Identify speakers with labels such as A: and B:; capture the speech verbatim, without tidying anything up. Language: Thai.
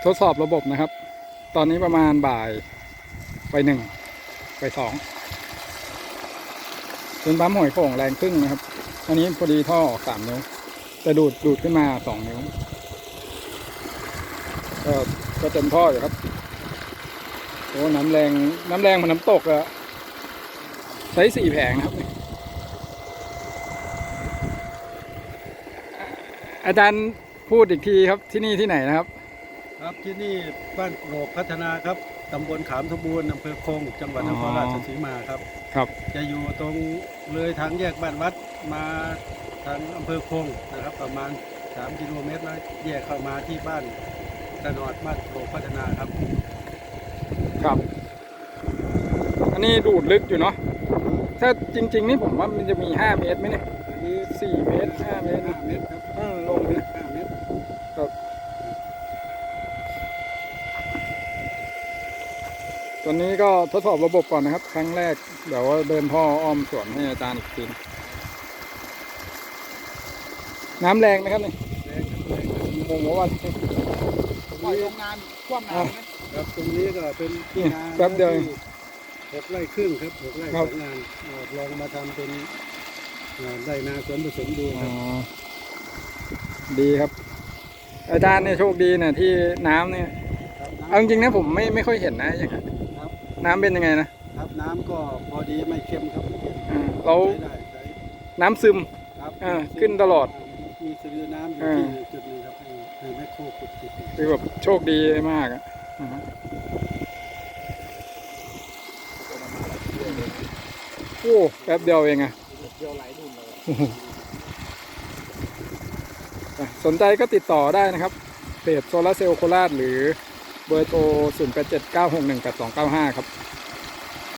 A: ทดสอบระบบนะครับตอนนี้ประมาณบ่ายไปหนึ่งไปสองเป็นปั๊มหอยโข่งแรงครึ่งนะครับอันนี้พอดีท่อออกสามนิ้วแต่ดูดดูดขึ้นมาสองนิ้วก็ก็เต็มท่ออยู่ครับโอ้น้ำแรงน้ำแรงมันน้ำตกอะใช้สี่แผงนะครับอาจารย์พูดอีกทีครับที่นี่ที่ไหนนะครับ
B: ครับที่นี่บ้านโกรกพัฒนาครับตำบลขามสมบูรณ์อำเภอคงจังหวัดนครราชสีมาครับ
A: ครับ
B: จะอยู่ตรงเลยทางแยกบ้านวัดมาทางอำเภอคงนะครับประมาณสามกิโลเมตรแล้วแยกเข้ามาที่บ้านตะนอดบ้านโกรกพัฒนาครับ
A: ครับอันนี้ดูดลึกอยู่เนาะถ้าจริงๆนี่ผมว่ามันจะมีห้าเมตรไหมเนี่ย
B: อันนี้
A: สี่เมตรห้าเมตร
B: ห้าเมตรครับ
A: อืมลงไป
B: ห้าเมตร
A: ครับตอนนี้ก็ทดสอบระบบก่อนนะครับครั้งแรกเดี๋ยวเดินท่ออ้อมสวนให้อาจารย์อีกทีน้ำแรงไหมครับนี่
B: แรงแรง
A: งงว่า
B: ปล่อยโรงงานคว่ำน้ำครับตรงนี้ก็เป็นที่นา
A: แป๊บเดียว
B: หกไร่ครึ่งครับหกไร่สองงานลองมาทำเป็นไร่นาสวนผสมดูครับ
A: ดีครับอาจารย์เนี่ยโชคดีเนี่ยที่น้ำเนี่ยเอาจริงๆนะผมไม่ไม่ค่อยเห็นนะอย่างนี้น้ำเป็นยังไงนะครับ
B: น้ำก็พอดีไม่เค็มครับ
A: เราน้ำซึมขึ้นตลอด
B: มีสลือน้ำอยู่ที่จุดนึงครับคือไม่โคขุดจุด
A: คือแบบโชคดีมากอ่ะโอ้แป๊บเดียวเองอะ
B: เดียวไหลดุนเลย
A: สนใจก็ติดต่อได้นะครับเพจโซลาร์เซลล์โคราชหรือเบอร์โทรศูนย์ แปด เจ็ด เก้า หก หนึ่ง แปด สอง เก้า ห้าครับ